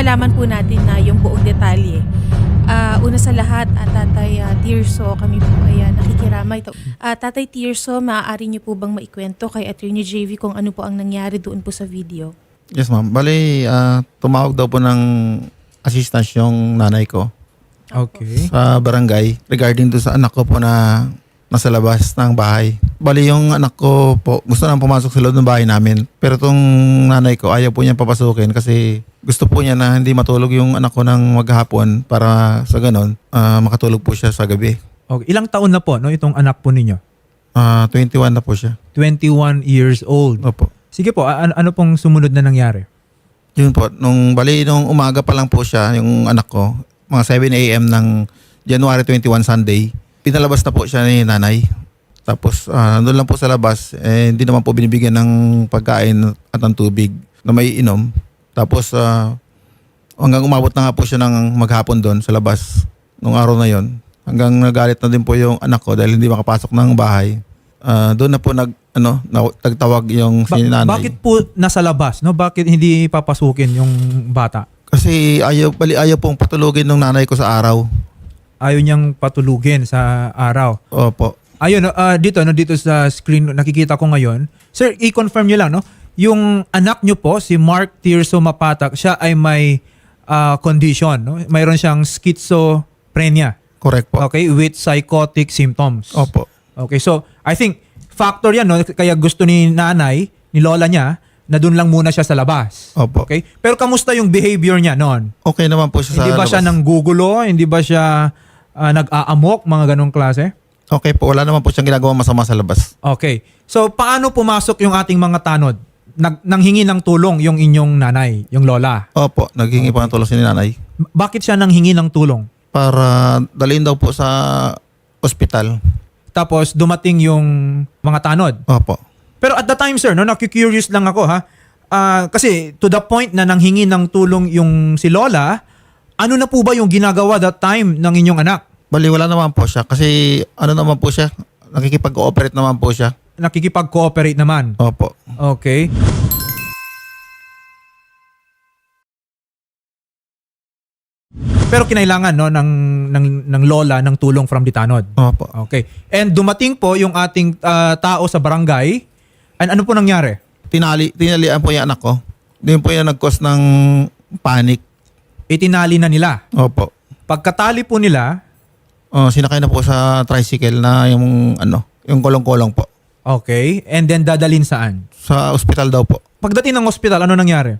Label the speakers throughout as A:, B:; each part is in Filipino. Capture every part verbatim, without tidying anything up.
A: malaman po natin na yung buong detalye. Uh, una sa lahat, uh, Tatay uh, Tirso, kami po ay uh, nakikiramay. Uh, Tatay Tirso, maaari niyo po bang maikwento kay Attorney J V kung ano po ang nangyari doon po sa video?
B: Yes ma'am. Bali, uh, tumawag daw po ng assistance yung nanay ko
C: Okay.
B: sa barangay regarding do sa anak ko po na nasa labas ng bahay. Bali, yung anak ko po gusto nang pumasok sa loob ng bahay namin. Pero tong nanay ko ayaw po niya papasukin kasi gusto po niya na hindi matulog yung anak ko ng maghapon para sa ganon uh, makatulog po siya sa gabi.
C: Okay. Ilang taon na po no itong anak po ninyo?
B: Uh, twenty-one na po siya.
C: twenty-one years old.
B: Opo.
C: Sige po, ano, ano pong sumunod na nangyari?
B: Yun po, nung bali nung umaga pa lang po siya, yung anak ko, mga seven a.m. ng January twenty-first Sunday, pinalabas na po siya ni nanay. Tapos uh, doon lang po sa labas, eh, hindi naman po binibigyan ng pagkain at ng tubig na may inom. Tapos uh, hanggang umabot na nga po siya ng maghapon doon sa labas nung araw na yon. Hanggang nagalit na din po yung anak ko dahil hindi makapasok ng bahay. Uh, doon na po nag ano, nagtawag yung
C: Ba-
B: si nanay.
C: bakit po nasa labas? No? Bakit hindi papasukin yung bata?
B: Kasi ayaw, bali ayaw pong patulugin ng nanay ko sa araw.
C: Ayaw niyang patulugin sa araw.
B: Opo.
C: Ayun, uh, dito, no, dito sa screen, nakikita ko ngayon. Sir, i-confirm niyo lang, no? Yung anak niyo po, si Mark Tirso Mapatak, siya ay may uh, condition, no? Mayroon siyang schizophrenia.
B: Correct po.
C: Okay, with psychotic symptoms.
B: Opo.
C: Okay, so I think factor yan, no? Kaya gusto ni nanay, ni lola niya, na doon lang muna siya sa labas.
B: Opo.
C: Okay? Pero kamusta yung behavior niya noon?
B: Okay naman po siya sa
C: Hindi ba
B: labas.
C: siya nanggugulo? Hindi ba siya uh, nag-aamok? Mga ganong klase?
B: Okay po, wala naman po siyang ginagawa masama sa labas.
C: Okay. So, paano pumasok yung ating mga tanod? Nag, nanghingi ng tulong yung inyong nanay, yung lola.
B: Opo, naghingi po ng tulong si nanay
C: Bakit siya nanghingi ng tulong?
B: para dalhin daw po sa ospital.
C: Tapos, dumating yung mga tanod.
B: Opo.
C: Pero at the time, sir, no, nakikurious lang ako, ha? Ah, kasi to the point na nanghingi ng tulong yung si lola, ano na po ba yung ginagawa that time ng inyong anak?
B: Bali, wala naman po siya kasi ano naman po siya, nakikipag-cooperate naman po siya.
C: Nakikipag-cooperate naman.
B: Opo.
C: Okay. Pero kinailangan no ng ng ng lola ng tulong from the tanod.
B: Opo.
C: Okay. And dumating po yung ating ah, tao sa barangay. And ano po nangyari?
B: Tinali, tinalian po yung anak ko. Doon po yung nag-cause ng panic.
C: Itinali na nila.
B: Opo.
C: Pagkatali po nila,
B: Oh, sinakay na po sa tricycle na yung ano, yung kolong-kolong po.
C: okay, and then dadalhin saan?
B: Sa ospital daw po.
C: Pagdating ng ospital, ano nangyari?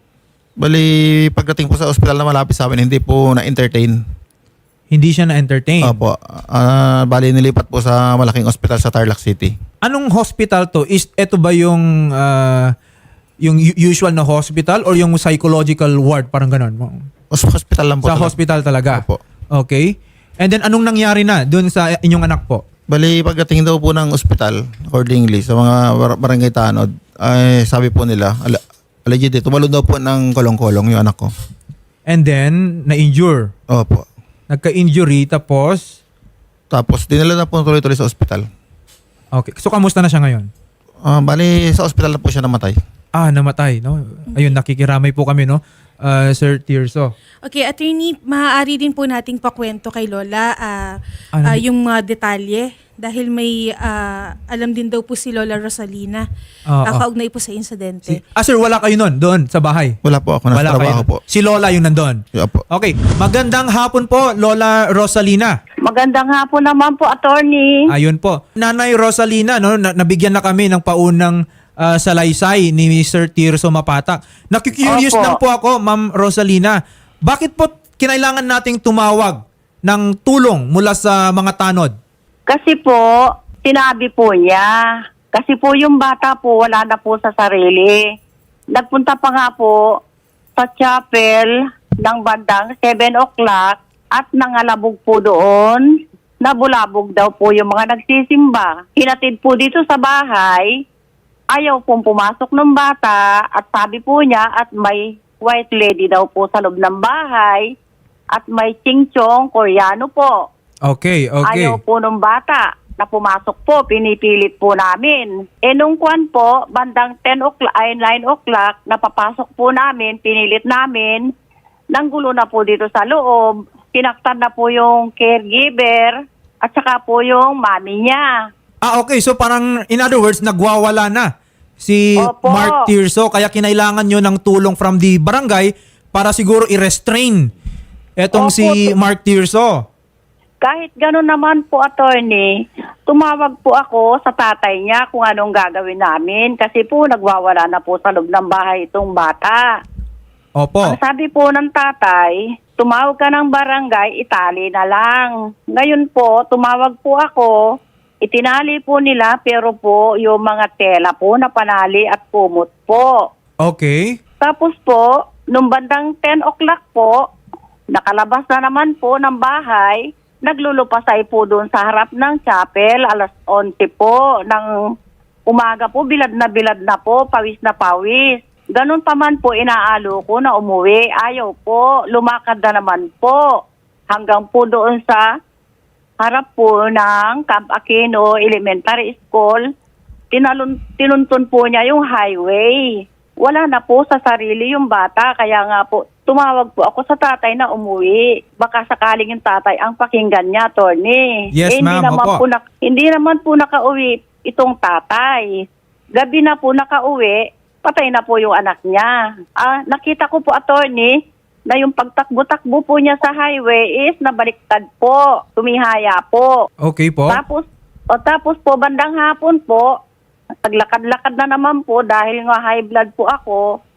B: Bali, pagdating po sa ospital na malapit sa amin, hindi po na-entertain.
C: Hindi siya na-entertain.
B: Opo. Ah, bali, nilipat po sa malaking ospital sa Tarlac City.
C: Anong hospital to? Is ito ba yung ah, yung u- usual na hospital or yung psychological ward, parang ganon?
B: Hos- Hospital lang po.
C: Sa
B: talaga.
C: hospital talaga.
B: Opo.
C: Okay. And then anong nangyari na doon sa inyong anak po?
B: Bali, pagdating daw po ng ospital, accordingly, sa mga bar- barangay tanod, ay sabi po nila, ala, allegedly, tumalon daw po ng kolong-kolong yung anak ko.
C: And then na-injure.
B: Opo.
C: Nagka-injury tapos
B: Tapos, dinala na po tuloy-tuloy sa ospital.
C: okay. So kamusta na siya ngayon?
B: Ah, bali, sa ospital na po siya namatay.
C: Ah, namatay, no? Ayun, nakikiramay po kami, no? Uh, Sir Tirso.
A: Okay, Attorney, maaari din po nating pakwento kay Lola ah,
C: Ano?
A: ah, yung mga detalye dahil may ah, alam din daw po si Lola Rosalina
C: Oo.
A: uh, kaugnay po sa insidente.
C: Si, ah, sir, wala kayo nun, doon, sa bahay?
B: Wala po ako, nasa
C: Wala
B: trabaho
C: kayo.
B: po.
C: Si Lola yung nandun.
B: Yeah, po.
C: Okay. Magandang hapon po, Lola Rosalina.
D: Magandang hapon naman po, attorney.
C: Ayun po. Nanay Rosalina, no, na- nabigyan na kami ng paunang ah, salaysay ni mister Tirso Mapatak. Nakikurious
D: Opo.
C: lang po ako, Ma'am Rosalina. Bakit po kinailangan nating tumawag ng tulong mula sa mga tanod?
D: Kasi po, sinabi po niya. Kasi po yung bata po, wala na po sa sarili. Nagpunta pa nga po sa chapel ng bandang seven o'clock at nangalabog po doon. Nabulabog daw po yung mga nagsisimba. Hinatid po dito sa bahay. Ayaw pong pumasok ng bata at sabi po niya at may white lady daw po sa loob ng bahay at may chingchong Koreano po.
C: Okay, okay.
D: Ayaw po ng bata na pumasok po, pinipilit po namin. E nung kwan po, bandang ten o'clock, ay nine o'clock, napapasok po namin, pinilit namin nanggulo na po dito sa loob. Kinaktan na po yung caregiver at saka po yung mami niya.
C: Ah, okay. So parang, in other words, nagwawala na si
D: Opo.
C: Mark Tirso. Kaya kinailangan nyo ng tulong from the barangay para siguro i-restrain etong
D: Opo.
C: si Mark Tirso.
D: Kahit gano'n naman po, attorney, tumawag po ako sa tatay niya kung anong gagawin namin kasi po nagwawala na po sa loob ng bahay itong bata.
C: Opo.
D: Ang sabi po ng tatay, tumawag ka ng barangay, itali na lang. Ngayon po, tumawag po ako, itinali po nila pero po yung mga tela po na panali at kumot po.
C: Okay.
D: Tapos po, nung bandang ten o'clock po, nakalabas na naman po ng bahay, naglulupasay po doon sa harap ng chapel, alas onse po, ng umaga po, bilad na bilad na po, pawis na pawis. Ganun pa man po, inaalo ko na umuwi. Ayaw po, lumakad na naman po. Hanggang po doon sa harap po ng Camp Aquino Elementary School, tinalun, tinuntun po niya yung highway. Wala na po sa sarili yung bata, kaya nga po, tumawag po ako sa tatay na umuwi. Baka sakaling yung tatay ang pakinggan niya, attorney.
C: Yes,
D: eh, hindi
C: ma'am,
D: naman
C: opo.
D: po na, hindi naman po nakauwi itong tatay. Gabi na po nakauwi, patay na po yung anak niya. Ah, nakita ko po, attorney, na yung pagtakbo-takbo po niya sa highway is nabaliktad po, tumihaya po.
C: Okay po.
D: Tapos, o tapos po, bandang hapon po, paglakad-lakad na naman po dahil nga high blood po ako,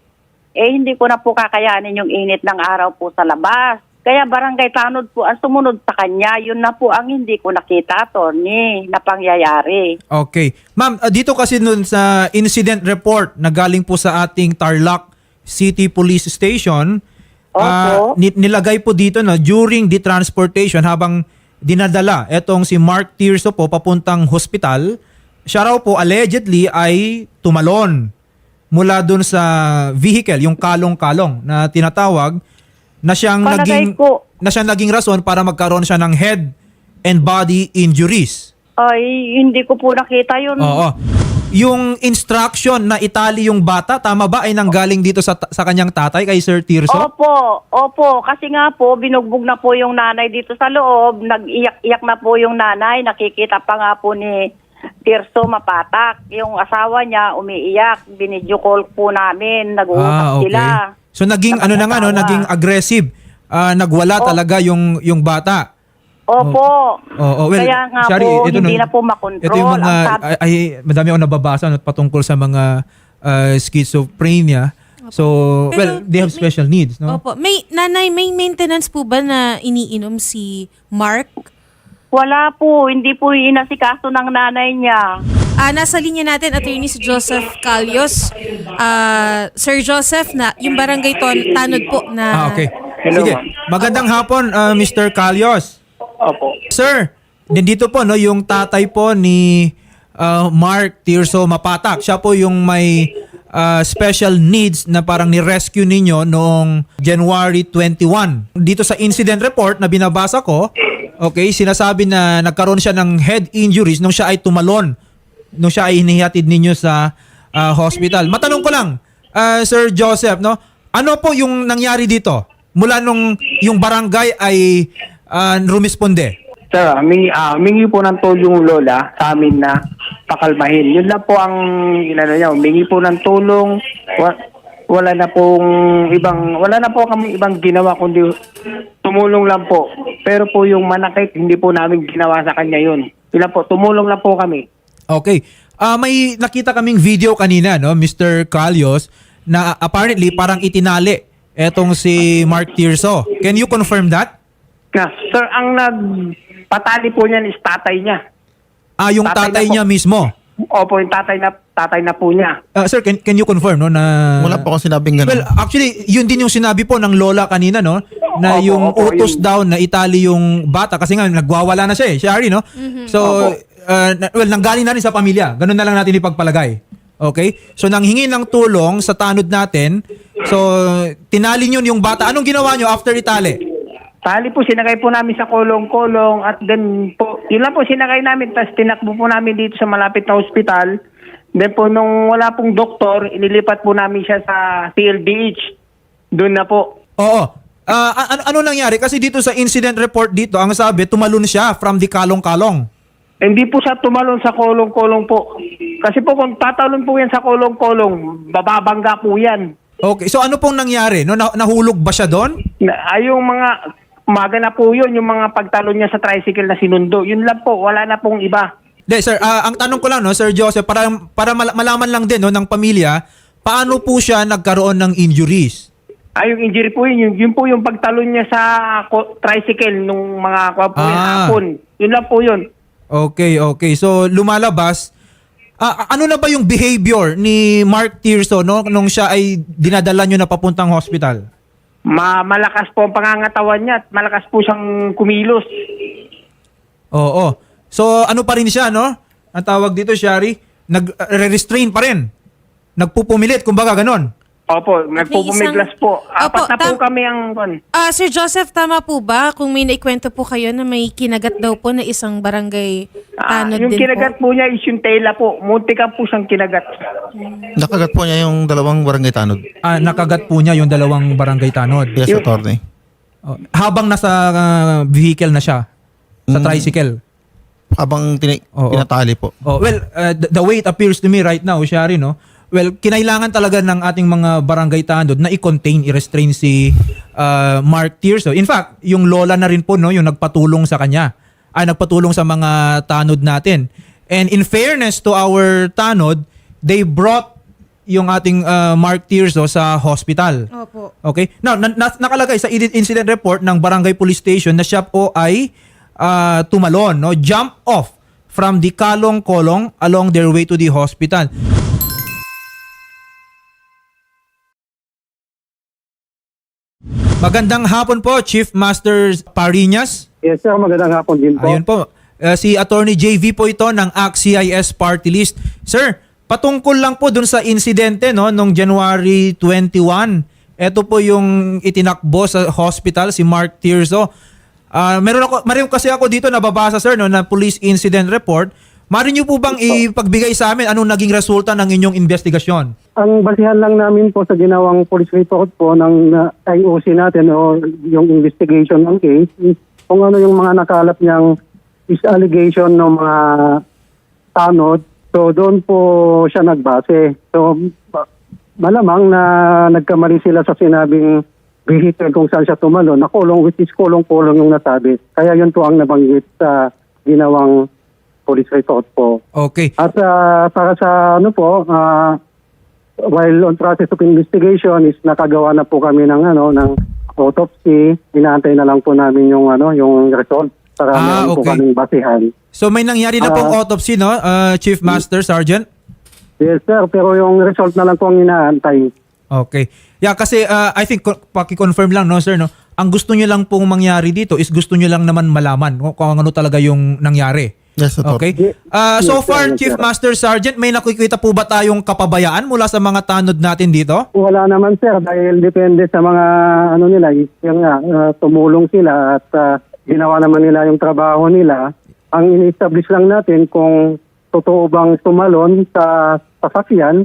D: eh hindi ko na po kakayanin yung init ng araw po sa labas. Kaya barangay tanod po ang sumunod sa kanya. Yun na po ang hindi ko nakita, attorney, na pangyayari.
C: Okay. Ma'am, uh, dito kasi nun sa incident report na galing po sa ating Tarlac City Police Station, uh,
D: Opo.
C: ni- nilagay po dito na during the transportation habang dinadala etong si Mark Tirso po papuntang hospital, siya raw po allegedly ay tumalon mula dun sa vehicle, yung kalong-kalong na tinatawag, na siyang
D: Palagay
C: naging
D: ko.
C: na siyang naging rason para magkaroon siya ng head and body injuries.
D: Ay, hindi ko po nakita yun.
C: Oo. Yung instruction na itali yung bata, tama ba ay nanggaling dito sa sa kanyang tatay kay Sir Tirso?
D: Opo, opo. Kasi nga po, binugbog na po yung nanay dito sa loob. Nag-iyak-iyak na po yung nanay. Nakikita pa nga po ni Tirso mapatak. Yung asawa niya umiiyak. Binidyo call po namin. Nag-uusap sila.
C: So naging ano na nga no,
D: Nakakatawa.
C: naging aggressive. Ah, nagwala
D: Oh.
C: talaga yung yung bata.
D: Opo.
C: Oo, well,
D: Kaya nga
C: sorry,
D: po,
C: ito
D: hindi
C: no,
D: na po makontrol.
C: Ito yung mga,
D: Ang sab-
C: ay, ay, madami akong nababasa no, patungkol sa mga ah, schizophrenia. So,
A: Pero
C: well, they have
A: may-
C: special needs, no?
A: Opo. May, nanay, may maintenance po ba na iniinom si Mark?
D: Wala po. Hindi po inasikaso ng nanay niya.
A: Ah, nasa linya natin, Attorney si Joseph Calios. Ah, Sir Joseph, na yung barangay ton, tanod po na...
C: Ah, okay.
E: Hello,
C: Sige.
E: ma'am.
C: Magandang hapon, ah, Mister Calios.
E: Opo.
C: Sir, nandito po no yung tatay po ni ah, Mark Tirso Mapatak. Siya po yung may ah, special needs na parang ni-rescue ninyo noong January twenty-first. Dito sa incident report na binabasa ko, okay, sinasabi na nagkaroon siya ng head injuries nung siya ay tumalon, nung siya ay inihatid ninyo sa ah, hospital. Matanong ko lang, ah, Sir Joseph, no? Ano po yung nangyari dito? Mula nung yung barangay ay ah, rumisponde.
E: Sir, mingi, ah, mingi po ng tulong lola sa amin na pakalmahin. Yun lang po ang inano niya. Mingi po ng tulong. Wa- wala na pong ibang, wala na po kami ibang ginawa kundi tumulong lang po. Pero po yung manakit, hindi po namin ginawa sa kanya yun. Yun lang po, tumulong lang po kami.
C: Okay. Ah, may nakita kaming video kanina, no, Mister Calios, na apparently parang itinali etong si Mark Tirso. Can you confirm that?
E: Na, sir, ang nagpatali po niyan is tatay niya.
C: Ah, yung
E: Tatay
C: tatay
E: na po.
C: niya mismo.
E: Opo, yung tatay na, tatay na po niya.
C: Ah, sir, can, can you confirm, no, na...
B: Wala po akong sinabing
C: Well,
B: gano'n.
C: actually, yun din yung sinabi po ng lola kanina, no? Na
E: Opo,
C: yung
E: opo,
C: utos
E: yun.
C: daw na itali yung bata kasi nga nagwawala na siya eh, Shari, no? So,
E: Opo.
C: uh, na- well, nanggaling na rin sa pamilya. Ganun na lang natin ipagpalagay. Okay? So, nanghingi ng tulong sa tanod natin. So, tinali nyo yung bata. Anong ginawa nyo after itali?
E: Tali po, sinakay po namin sa kolong-kolong at then po, yun lang po sinakay namin, tapos tinakbo po namin dito sa malapit na ospital. Then po, nung wala pong doktor, inilipat po namin siya sa P L D H. Doon na po.
C: Oo. Ah, a- ano, ano nangyari? Kasi dito sa incident report dito, ang sabi, tumalon siya from the kalong-kalong.
E: Hindi po siya tumalon sa kolong-kolong po. Kasi po kung tatalon po yan sa kolong-kolong, bababangga po yan.
C: Okay, so ano pong nangyari? No, nah- nahulog ba siya doon?
E: Na, ay, yung mga, umaga na po yun, yung mga pagtalon niya sa tricycle na sinundo. Yun lang po, wala na pong iba.
C: De, sir, ah, ang tanong ko lang, no, Sir Joseph, para, para mal- malaman lang din no, ng pamilya, paano po siya nagkaroon ng injuries?
E: Ay, yung injury po yun, yun, yun po yung pagtalon niya sa ko- tricycle nung mga kwa po yung
C: Ah.
E: hapon. Yun lang po yun.
C: Okay, okay. So, lumalabas. Ah, ano na ba yung behavior ni Mark Tirso no, nung siya ay dinadala nyo na papuntang hospital?
E: Ma malakas po ang pangangatawan niya at malakas po siyang kumilos.
C: Oo. So, ano pa rin siya, no? Ang tawag dito, Shari, nag-restrain pa rin. Nagpupumilit, kumbaga ganon.
E: Opo, nagpupumiglas
A: isang-
E: po. Apat
A: Opo,
E: na po
A: tam-
E: kami ang...
A: Ah, Sir Joseph, tama po ba kung may naikwento po kayo na may kinagat daw po na isang barangay
E: Ah,
A: tanod
E: yung
A: din
E: kinagat
A: po?
E: po niya is yung tela po. Muntika po siyang kinagat.
B: Nakagat po niya yung dalawang barangay tanod.
C: Ah, nakagat po niya yung dalawang barangay tanod.
B: Yes, attorney.
C: Oh, habang nasa ah, vehicle na siya, sa
B: Mm.
C: tricycle.
B: Habang tini-
C: Oo.
B: tinatali po.
C: Oh, well, uh, the, the way it appears to me right now, Shari, no? Well, kinailangan talaga ng ating mga barangay tanod na i-contain, i-restrain si uh, Mark Tirso. In fact, yung lola na rin po, no, yung nagpatulong sa kanya, ay nagpatulong sa mga tanod natin. And in fairness to our tanod, they brought yung ating uh, Mark Tirso sa hospital.
A: Opo.
C: Okay? Now, na- na- nakalagay sa incident report ng Barangay Police Station na siya po ay ah, tumalon, no? Jump off from the kalong-kolong along their way to the hospital. Magandang hapon po, Chief Master Parinas.
F: Yes sir, magandang hapon din po.
C: Ayun po. Uh, si Attorney J V po ito ng A C C I S Party List. Sir, patungkol lang po dun sa insidente no nung January twenty-one. Ito po yung itinakbo sa hospital si Mark Tirso. Ah, meron ako meron kasi ako dito nababasa sir no na police incident report. Mari niyo po bang ipagbigay sa amin anong naging resulta ng inyong investigasyon?
F: Ang basihan lang namin po sa ginawang police report po ng uh, I O C natin o yung investigation ng case is kung ano yung mga nakalap niyang is allegation ng mga tanod. So doon po siya nagbase. So ma- malamang na nagkamali sila sa sinabing vehicle kung saan siya tumalon. Nakulong, which is kulong-kulong yung nasabi. Kaya yun po ang nabanggit sa ginawang police report po.
C: Okay.
F: At uh, para sa ano po, uh, while on process of investigation is nakagawa na po kami ng ano ng autopsy. Inaantay na lang po namin yung ano yung result para
C: Ah,
F: meron po
C: okay.
F: kaming basihan.
C: So may nangyari na pong
F: Ah.
C: autopsy no, uh, Chief Master Sergeant?
F: Yes sir, pero yung result na lang po ang inaantay.
C: Okay. Yeah, kasi uh, I think ko- paki-confirm lang no sir no. Ang gusto niyo lang pong mangyari dito is gusto niyo lang naman malaman kung, kung ano talaga yung nangyari.
B: Yes, attorney.
C: Okay? Uh, so
F: Yes, sir,
C: far,
F: yes,
C: Chief
F: sir.
C: Master Sergeant, may nakikita po ba tayong kapabayaan mula sa mga tanod natin dito?
F: Wala naman sir dahil depende sa mga ano nila, is yung nga uh, tumulong sila at uh, ginawa naman nila yung trabaho nila. Ang ini-establish lang natin kung totoo bang tumalon sa sasakyan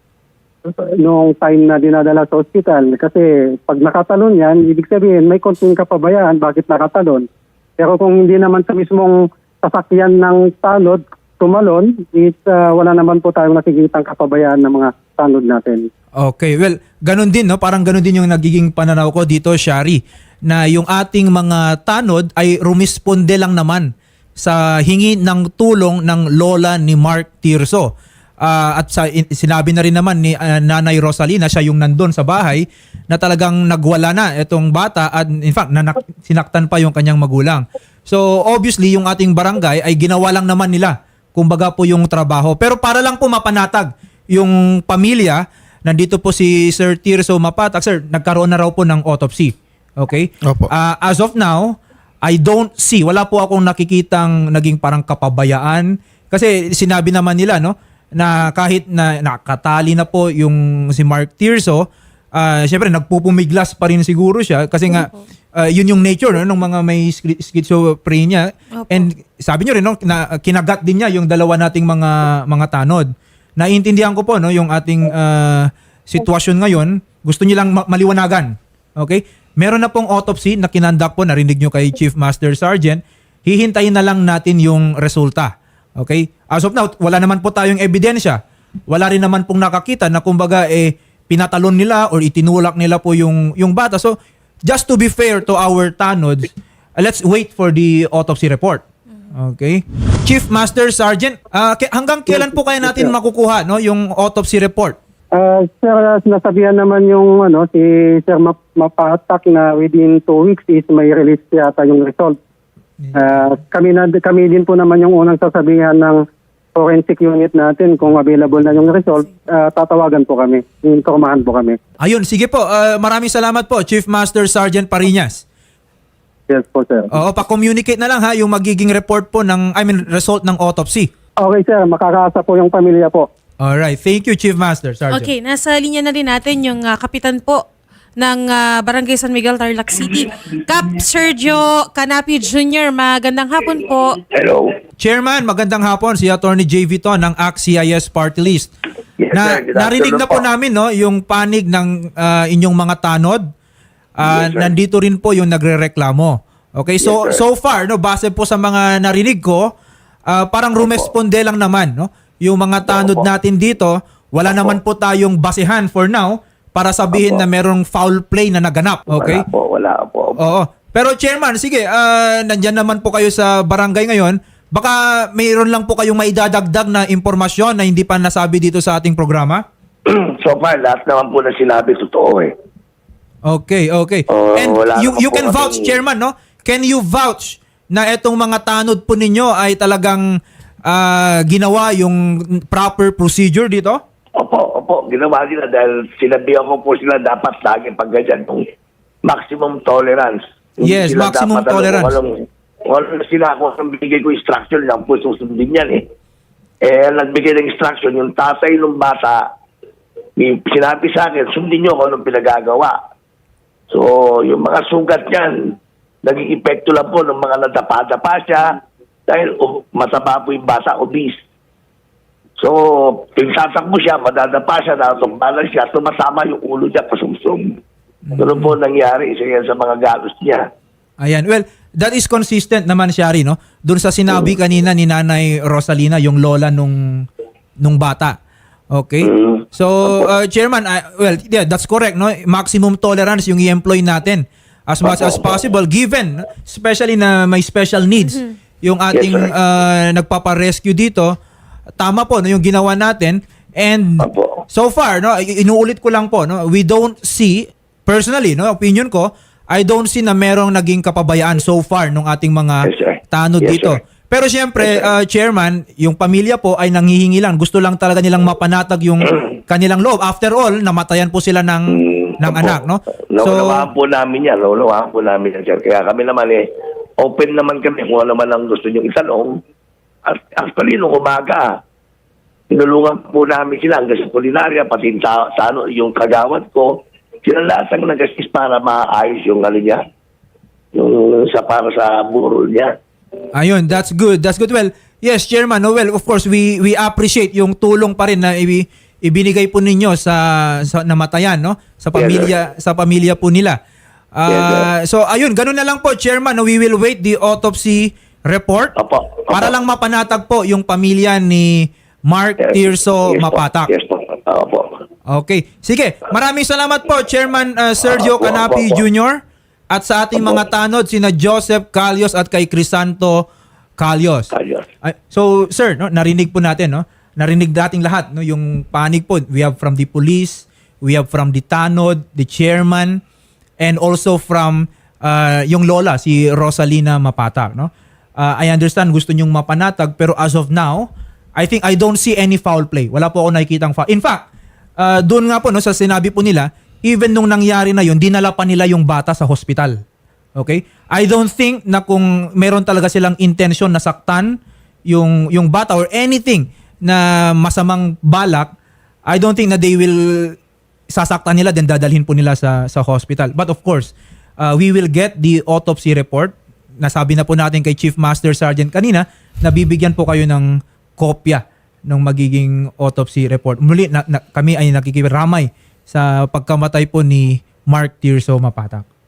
F: noong time na dinadala sa ospital. Kasi pag nakatalon yan, ibig sabihin may konting kapabayaan bakit nakatalon. Pero kung hindi naman sa mismong sasakyan ng tanod tumalon, is uh, wala naman po tayong nakikitang kapabayaan ng mga tanod natin.
C: Okay, well, ganun din, no? Parang ganun din yung nagiging pananaw ko dito, Shari, na yung ating mga tanod ay rumisponde lang naman sa hingi ng tulong ng lola ni Mark Tirso. Ah, at sa, in- sinabi na rin naman ni ah, Nanay Rosalina, siya yung nandun sa bahay, na talagang nagwala na itong bata at in fact, nanak- sinaktan pa yung kanyang magulang. So obviously, yung ating barangay ay ginawa lang naman nila, kumbaga po yung trabaho. Pero para lang po mapanatag yung pamilya, nandito po si Sir Tirso Mapatak. Sir, nagkaroon na raw po ng autopsy. Okay?
B: Opo.
C: Ah, as of now, I don't see, wala po akong nakikitang naging parang kapabayaan. Kasi sinabi naman nila, no, na kahit na nakatali na po yung si Mark Tirso, ah syempre nagpupumiglas pa rin siguro siya kasi nga ah, yun yung nature no, ng mga may schi- schizophrenia.
A: Opo.
C: And sabi nyo rin, no, na kinagat din niya yung dalawa nating mga mga tanod. Naiintindihan ko po no, yung ating ah, sitwasyon ngayon. Gusto niyo lang ma- maliwanagan. Okay? meron na pong autopsy na kinandak po, narinig nyo kay Chief Master Sergeant. Hihintayin na lang natin yung resulta. Okay? As of now, wala naman po tayong ebidensya. Wala rin naman pong nakakita na kumbaga eh pinatalon nila or itinulak nila po yung yung bata. So, just to be fair to our tanods, uh, let's wait for the autopsy report. Okay? Chief Master Sergeant, uh, k- hanggang kailan po kaya natin makukuha no yung autopsy report?
F: Ah, sir, nasabihan naman yung ano si Sir Map- Mapatak na within two weeks is may release yata yung result. Ah, kami na kami din po naman yung unang sasabihan ng forensic unit natin kung available na yung result. Ah, tatawagan po kami, informahan po kami.
C: Ayun, sige po. Uh, maraming salamat po, Chief Master Sergeant Pariñas.
F: Yes po, sir.
C: Oo, pa-communicate na lang ha yung magiging report po ng, I mean, result ng autopsy.
F: Okay, sir, makakaasa po yung pamilya po.
C: Alright, thank you, Chief Master Sergeant.
A: Okay, nasa linya na rin natin yung ah, kapitan po ng ah, Barangay San Miguel, Tarlac City. Cap Sergio Canapi Junior Magandang hapon po.
G: Hello.
C: Chairman, magandang hapon, si Attorney J V to ng A C C I S Party List.
G: Yes,
C: Na,
G: sir. Good
C: narinig na po
G: afternoon po.
C: namin no, yung panig ng ah, inyong mga tanod. Ah,
G: Yes, sir.
C: nandito rin po yung nagrereklamo. Okay, so
G: Yes, sir.
C: so far no, base po sa mga narinig ko, ah, parang rumesponde lang naman no, yung mga tanod
G: Opo.
C: natin dito, wala naman po tayong basehan for now para sabihin
G: Opo.
C: na merong foul play na naganap. Okay?
G: Wala po, wala po.
C: Oo. Pero Chairman, sige, ah, nandyan naman po kayo sa barangay ngayon. Baka mayroon lang po kayong maidadagdag na impormasyon na hindi pa nasabi dito sa ating programa?
G: So far, lahat naman po na sinabi totoo eh.
C: Okay, okay.
G: Oo,
C: And
G: wala
C: you,
G: naman
C: you
G: po
C: can vouch,
G: kaming-
C: Chairman, no? Can you vouch na itong mga tanod po ninyo ay talagang ah, ginawa yung proper procedure dito?
G: Opo, opo, ginawa nila dahil sinabihan ko po sila dapat lagi pag ganyan yung maximum tolerance. Hindi
C: Yes,
G: sila
C: maximum
G: dapat, ano,
C: tolerance.
G: Walang, walang sila kung anong binigay ko instruction lang po susundin yan eh. Eh, ang nagbigay ng instruction, yung tatay ng bata, may sinabi sa akin, sundin nyo kung anong pinagagawa. So, yung mga sugat yan, naging epekto lang po ng mga nadapa-dapa siya dahil uh, mataba po yung bata, obese. So, pinagtatakbo siya, madadapa siya, natumbalan siya, tumatama yung ulo niya, pasumsum. Ganun po nangyari, isa yan sa mga galos niya.
C: Ayan. Well, that is consistent naman, Shari, no? Doon sa sinabi kanina ni Nanay Rosalina, yung lola nung nung bata. Okay?
G: Mm.
C: So, uh, Chairman, uh, well, yeah, that's correct, no? Maximum tolerance yung i-employ natin as much as possible, given, especially na may special needs, yung ating
G: Yes, sir.
C: uh, nagpapa-rescue dito. Tama po, no, yung ginawa natin. And
G: Opo.
C: so far, no, i- inuulit ko lang po, no, we don't see, personally, no, opinion ko, I don't see na merong naging kapabayaan so far nung ating mga
G: Yes, sir.
C: tanod
G: Yes,
C: dito.
G: sir.
C: Pero siyempre,
G: Yes, sir.
C: uh, Chairman, yung pamilya po ay nanghihingi lang. Gusto lang talaga nilang mapanatag yung kanilang loob. After all, namatayan po sila ng, ng
G: Opo.
C: anak, no?
G: Naunawaan po namin yan. Naunawaan po namin yan, sir. Kaya kami naman eh, open naman kami kung ano man ang gusto nyo itanong. At actually, nung umaga, tinulungan po namin sila hanggang sa kulinarya, pati sa, sa ano, yung kagawad ko. Sila lahat ang nag-assist para maayos yung ano niya. Yung sa para sa burol niya.
C: Ayun, that's good. That's good. Well, yes, Chairman. No, well, of course, we we appreciate yung tulong pa rin na ibi, ibinigay po ninyo sa, sa namatayan, no? Sa pamilya, sa pamilya po nila. Ah, so, ayun, ganun na lang po, Chairman. No, we will wait the autopsy report
G: Opo. Opo.
C: para lang mapanatag po yung pamilya ni Mark
G: Yes.
C: Tirso
G: Yes po.
C: Mapatak.
G: Yes po. Opo.
C: Okay. Sige, maraming salamat po, Chairman uh, Sergio
G: Opo,
C: Canapi
G: opo, opo.
C: Junior At sa ating
G: Opo.
C: mga tanod, sina Joseph Calios at kay Crisanto Calios.
G: Ayos.
C: Ay, so, sir, no, narinig po natin, no? Narinig dating lahat, no, yung panig po. We have from the police, we have from the tanod, the chairman, and also from uh, yung lola, si Rosalina Mapatak, no? Uh, I understand gusto nyong mapanatag, pero as of now, I think I don't see any foul play. Wala po ako nakikitang foul. In fact, uh, doon nga po, no, sa sinabi po nila, even nung nangyari na yun, dinala pa nila yung bata sa hospital. Okay? I don't think na kung meron talaga silang intention na saktan yung, yung bata or anything na masamang balak, I don't think na they will sasaktan nila then dadalhin po nila sa, sa hospital. But of course, uh, we will get the autopsy report. Nasabi na po natin kay Chief Master Sergeant kanina na bibigyan po kayo ng kopya ng magiging autopsy report. Muli, na, na, kami ay nakikiramay sa pagkamatay po ni Mark Tirso Mapatak.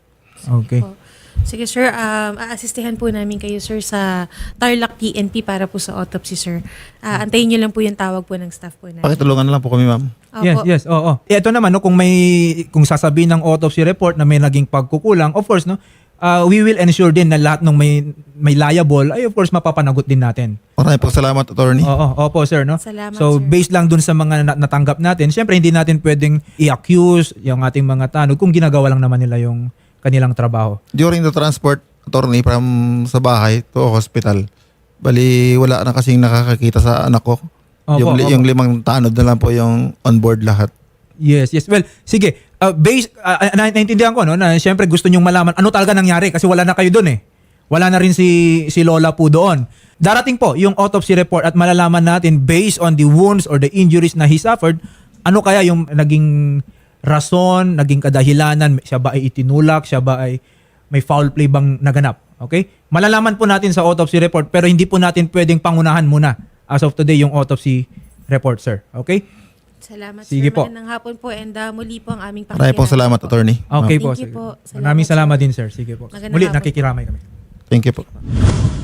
C: Okay.
A: Po. Sige sir, um, aasistihan po namin kayo sir sa Tarlac P N P para po sa autopsy sir. Ah, antayin niyo lang po yung tawag po ng staff po namin.
B: Pakitulungan na lang po kami, ma'am.
A: Opo.
C: Yes, yes. Oo. Eh, ito naman no, kung may kung sasabihin ng autopsy report na may naging pagkukulang, of course no, uh, we will ensure din na lahat ng may may liable ay of course mapapanagot din natin.
B: Maraming po salamat, attorney.
C: Oo, opo sir no.
A: Salamat,
C: So
A: sir.
C: based lang dun sa mga na- natanggap natin, syempre hindi natin pwedeng i-accuse yung ating mga tanod kung ginagawa lang naman nila yung kanilang trabaho.
B: During the transport, attorney, from sa bahay to hospital, bali wala na kasing nakakakita sa anak ko.
C: Opo,
B: yung, li-
C: opo.
B: yung limang tanod na lang po yung on board lahat.
C: Yes, yes. Well, sige. Uh, based, uh, na- naintindihan ko no, na syempre gusto nyong malaman ano talaga nangyari kasi wala na kayo doon eh. Wala na rin si si Lola po doon. Darating po yung autopsy report at malalaman natin based on the wounds or the injuries na he suffered, ano kaya yung naging rason, naging kadahilanan, siya ba ay itinulak, siya ba ay may foul play bang naganap. Okay? Malalaman po natin sa autopsy report pero hindi po natin pwedeng pangunahan muna as of today yung autopsy report, sir. Okay?
A: Salamat
C: Sige
A: sir.
C: po.
A: Magandang hapon po and uh, muli po ang aming
B: Maraming po
A: pakikiramay
B: salamat,
A: po.
B: attorney.
C: Okay
A: Thank
C: po.
A: you
C: sige.
A: po. Salamat,
C: Maraming salamat
A: sir.
C: din, sir. Sige po.
A: Magandang
C: Muli,
A: hapon po.
C: nakikiramay kami.
B: Thank you po.